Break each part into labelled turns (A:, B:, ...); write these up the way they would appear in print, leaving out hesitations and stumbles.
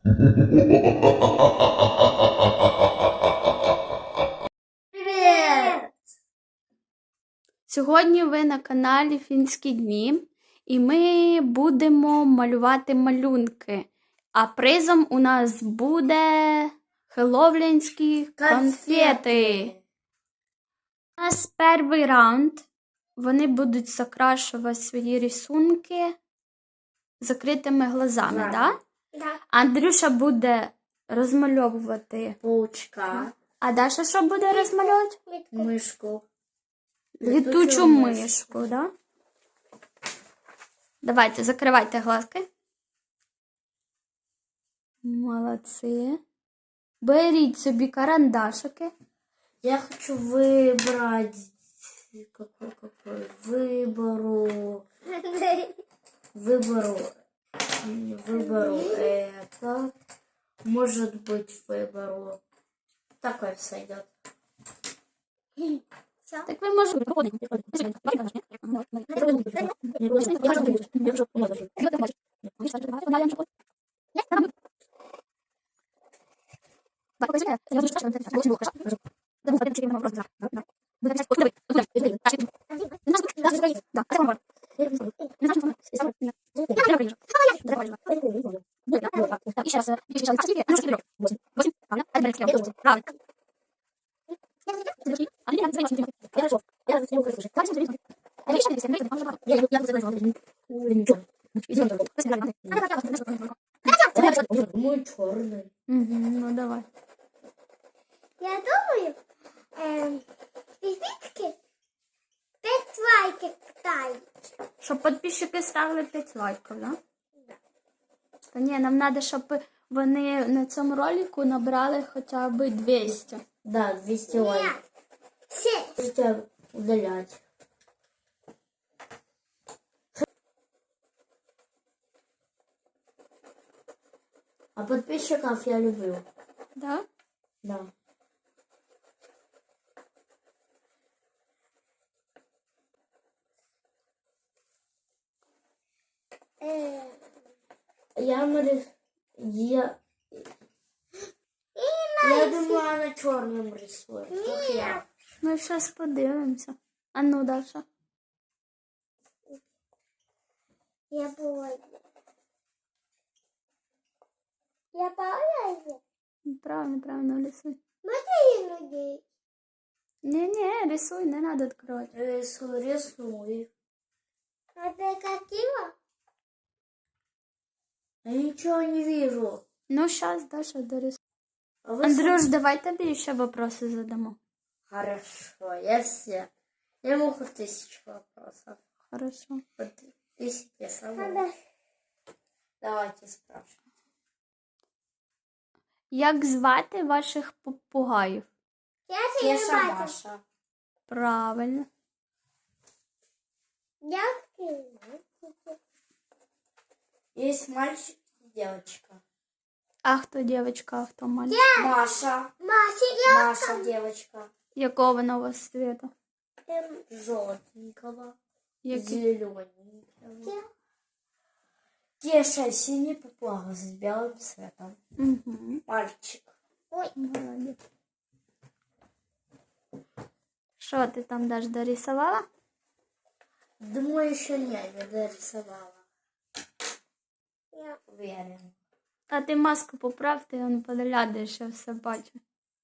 A: Привет!
B: Сьогодні ви на каналі Фінські дні, і ми будемо малювати малюнки. А призом у нас буде хеллоуінські конфети. У нас перший раунд. Вони будуть закрашувати свої рисунки закритими глазами, да?
A: Да.
B: Андрюша буде розмальовувати
A: Паучка,
B: А Даша що буде розмальовувати?
A: мышку.
B: Летучу мишку, да? Давайте, закривайте глазки. Молодці. Беріть собі карандашики.
A: Я хочу выбрать... Какой? Выберу это. Может быть, выберу... Такой сойдет.
B: Так ви можете...
A: Мой черный.
B: Ну, давай.
C: Я думаю, підписки 5 лайків дають.
B: Щоб підписчики ставили 5 лайків, да? Та ні, нам треба, щоб вони на цьому ролику набрали хоча б 200.
A: Да, 200 лайков.
C: Все.
A: Можете удалять. А подписчиков я люблю.
B: Да?
A: Да. Я думаю, она черным рисует. Как я.
B: Ну, зараз подивимося. А ну, Даша.
C: Я боюсь. Я боюсь.
B: Правильно, рисуй.
C: Можно людей?
B: Не, рисуй, не треба відкривати.
A: Рисую.
C: А ты какие?
A: Я ничего не вижу.
B: Ну, зараз, Даша, дорисуй.
A: А вы
B: Андрюш, давай тобі ще вопроси задамо.
A: Хорошо, я могу 1000 вопросов.
B: Хорошо.
A: Вот 1000 самых.
C: Надо.
A: Давайте спрашивать.
B: Як звати ваших попугаїв?
C: Я
A: Кеша,
C: тебе бачу.
A: Маша.
B: Правильно.
C: Я скину.
A: Есть мальчик и девочка.
B: А хто дівчинка, а хто мальчик?
A: Маша.
C: Маша,
A: Девочка.
B: Якого вона у вас цвіту?
A: Желтенького.
B: Який?
A: Зелененького. Кеша синий попугай с белым цветом.
B: Угу.
A: Мальчик.
B: Молодець. Що ти там даже дорисувала?
A: Думаю, еще не дорисовала.
C: Я.
A: Уверен.
B: А ти маску поправ, ти он поглядиш, я все бачу.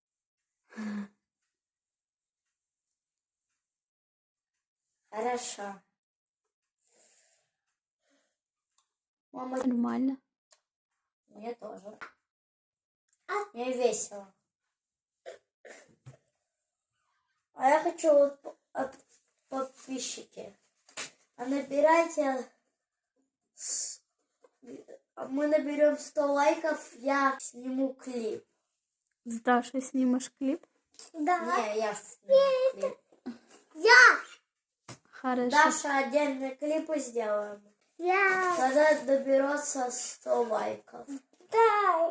A: Хорошо. Мама,
B: Нормально.
A: мне тоже. Мне весело. А я хочу вот от подписчики. А набирайте... Мы наберем 100 лайков, я сниму клип.
B: З Дашою знімеш кліп?
C: Да.
A: Не, я сниму клип.
C: Я.
B: Хорошо.
A: Даша, отдельные клипы сделаем.
C: Я.
A: Когда доберется 100 лайков.
C: Дай.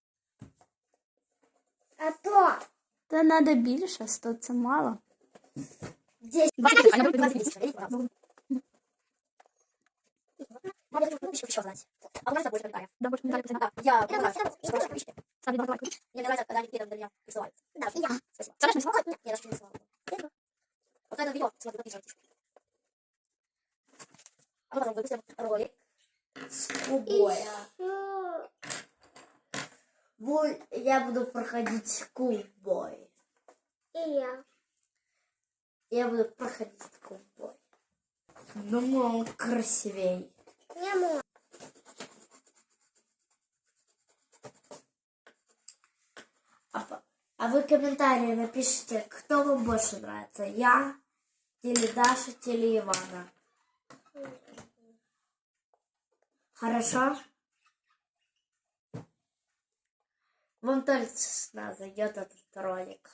C: А то.
B: Та треба більше, 100 це мало.
A: 10.
C: Надо еще знать.
A: А у нас больше комментариев.
B: Да, больше комментариев.
A: Да, я понимаю, что больше подписчики.
B: Ставь лайк.
A: Мне нравится, когда они какие-то для меня присылают.
C: Да, и я.
A: Спасибо.
B: Саша нарисовала?
A: Нет, я даже не рисовала. Вот это видео, смотрю, подписывайтесь. А мы потом выпустим ролик с кубоя. Я буду проходить кубой.
C: И я.
A: Я буду проходить кубой. Думаю, он красивей.
C: Не могу.
A: А вы комментарии напишите, кто вам больше нравится. Я, или Даша, или Ивана. Хорошо? Вам точно зайдет этот ролик.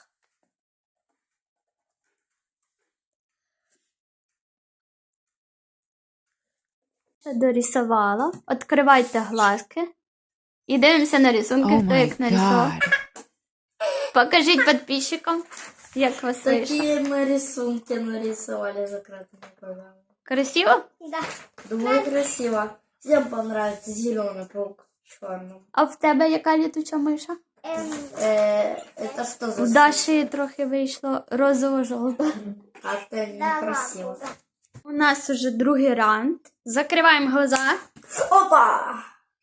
B: Дорисувала. Відкривайте глазки. І дивимося на рисунки, хто як нарисував. Покажіть підписчикам, як вас вийшло.
A: Такие мы рисунки нарисовали закрытыми глазами.
B: Красиво?
C: Да.
A: Думаю, красиво. Всем понравится зеленый паук в черном.
B: А в тебе яка літуча миша?
A: Это что за
B: В Даші трохи вийшло розово-жовте.
A: Как-то
C: Да,
A: некрасиво.
C: ладно, да.
B: У нас уже другий раунд. Закриваємо глаза.
A: Опа!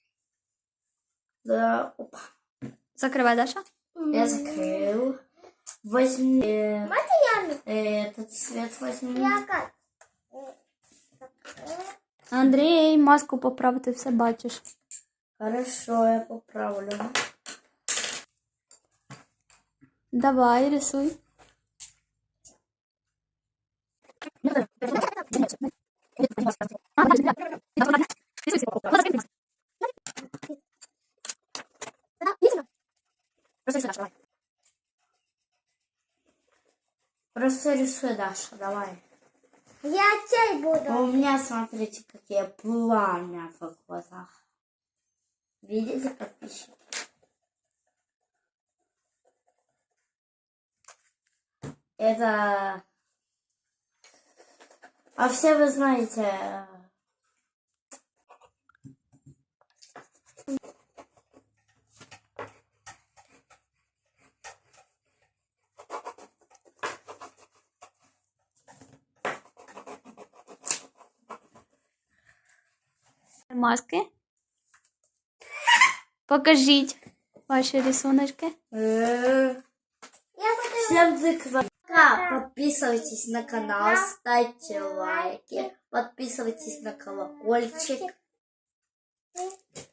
A: Да, опа.
B: Закривай, Даша.
A: Я закрыл. Возьми
C: Ями.
A: этот цвет возьми.
C: Я как?
B: Андрій, маску поправ, ти все бачиш.
A: Хорошо, я поправлю.
B: Давай, рисуй.
A: Просто рисуй, Даша, давай.
C: Я чай
A: А
C: буду.
A: у меня, смотрите, какие пламя в глазах. Видите, подписчики? Это... А все вы знаете...
B: Маски. Покажіть ваші рисуночки.
C: Я буду.
A: Всем пока. Подписывайтесь на канал, ставьте лайки, подписывайтесь на колокольчик.